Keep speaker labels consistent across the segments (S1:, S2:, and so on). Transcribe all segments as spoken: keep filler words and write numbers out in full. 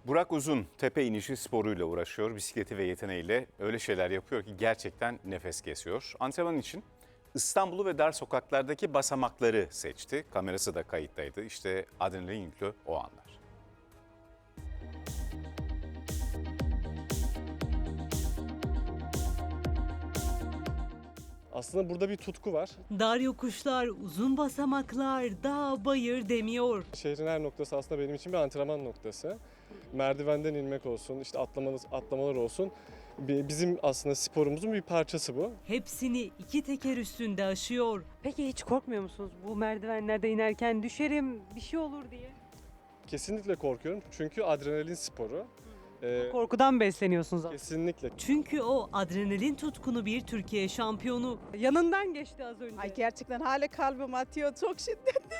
S1: Burak Uzun tepe inişi sporuyla uğraşıyor. Bisikleti ve yeteneğiyle öyle şeyler yapıyor ki gerçekten nefes kesiyor. Antrenman için İstanbul'u ve dar sokaklardaki basamakları seçti. Kamerası da kayıttaydı. İşte adrenalin yüklü o anlar.
S2: Aslında burada bir tutku var.
S3: Dar yokuşlar, uzun basamaklar, dağ bayır demiyor.
S2: Şehrin her noktası aslında benim için bir antrenman noktası. Merdivenden inmek olsun, işte atlamalar, atlamalar olsun. Bizim aslında sporumuzun bir parçası bu.
S3: Hepsini iki teker üstünde aşıyor.
S4: Peki hiç korkmuyor musunuz bu merdivenlerde inerken düşerim bir şey olur diye?
S2: Kesinlikle korkuyorum çünkü adrenalin sporu. Ee,
S4: Korkudan besleniyorsunuz aslında.
S2: kesinlikle.
S3: Çünkü o adrenalin tutkunu bir Türkiye şampiyonu.
S4: Yanından geçti az önce.
S5: Ay gerçekten hala kalbim atıyor çok şiddetli.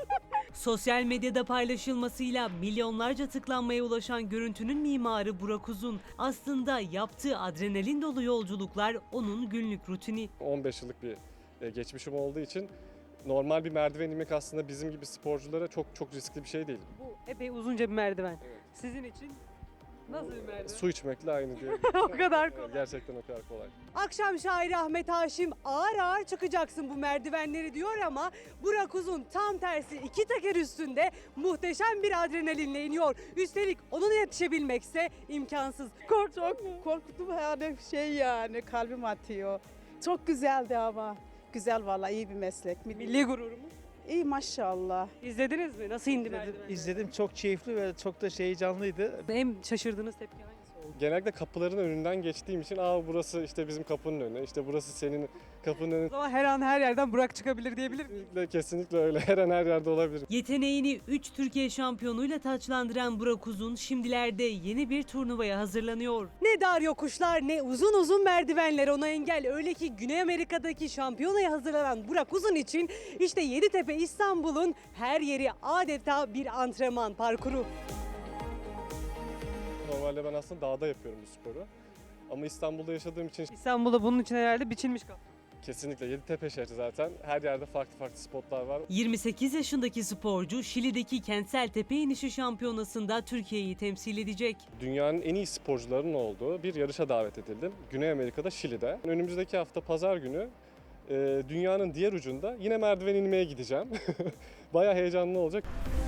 S3: Sosyal medyada paylaşılmasıyla milyonlarca tıklanmaya ulaşan görüntünün mimarı Burak Uzun. Aslında yaptığı adrenalin dolu yolculuklar onun günlük rutini.
S2: on beş yıllık bir e, geçmişim olduğu için normal bir merdiven inmek aslında bizim gibi sporculara çok çok riskli bir şey değil.
S4: Bu epey uzunca bir merdiven. Sizin için nasıl bir merdiven?
S2: Su içmekle aynı diye.
S4: O kadar kolay.
S2: Gerçekten o kadar kolay.
S4: Akşam şairi Ahmet Haşim ağır ağır çıkacaksın bu merdivenleri diyor ama Burak Uzun tam tersi iki teker üstünde muhteşem bir adrenalinle iniyor. Üstelik onun yetişebilmekse imkansız. Kork
S5: Çok korktum yani şey yani kalbim atıyor. Çok güzeldi ama. Güzel vallahi iyi bir meslek.
S4: milli gururumuz.
S5: İyi maşallah.
S4: İzlediniz mi? Nasıl indi merdiven?
S6: İzledim, izledim. Çok keyifli ve çok da şey heyecanlıydı.
S4: En şaşırdığınız tepki hangisi oldu?
S2: Genellikle kapıların önünden geçtiğim için aa burası işte bizim kapının önü, işte burası senin kapının önü.
S4: O zaman her an her yerden Burak çıkabilir diyebilir miyiz?
S2: Kesinlikle, kesinlikle öyle. Her an her yerde olabilir.
S3: Yeteneğini üç Türkiye şampiyonuyla taçlandıran Burak Uzun şimdilerde yeni bir turnuvaya hazırlanıyor.
S4: Ne dar yokuşlar ne uzun uzun merdivenler ona engel. Öyle ki Güney Amerika'daki şampiyonaya hazırlanan Burak Uzun için işte Yeditepe İstanbul'un her yeri adeta bir antrenman parkuru.
S2: Normalde ben aslında dağda yapıyorum bu sporu. Ama İstanbul'da yaşadığım için
S4: İstanbul'da bunun için herhalde biçilmiş kapı.
S2: kesinlikle Yeditepe şehri zaten. Her yerde farklı farklı spotlar var.
S3: yirmi sekiz yaşındaki sporcu Şili'deki kentsel tepe inişi şampiyonasında Türkiye'yi temsil edecek.
S2: Dünyanın en iyi sporcularının olduğu bir yarışa davet edildim. Güney Amerika'da, Şili'de. Önümüzdeki hafta pazar günü e, dünyanın diğer ucunda yine merdiven inmeye gideceğim. Bayağı heyecanlı olacak.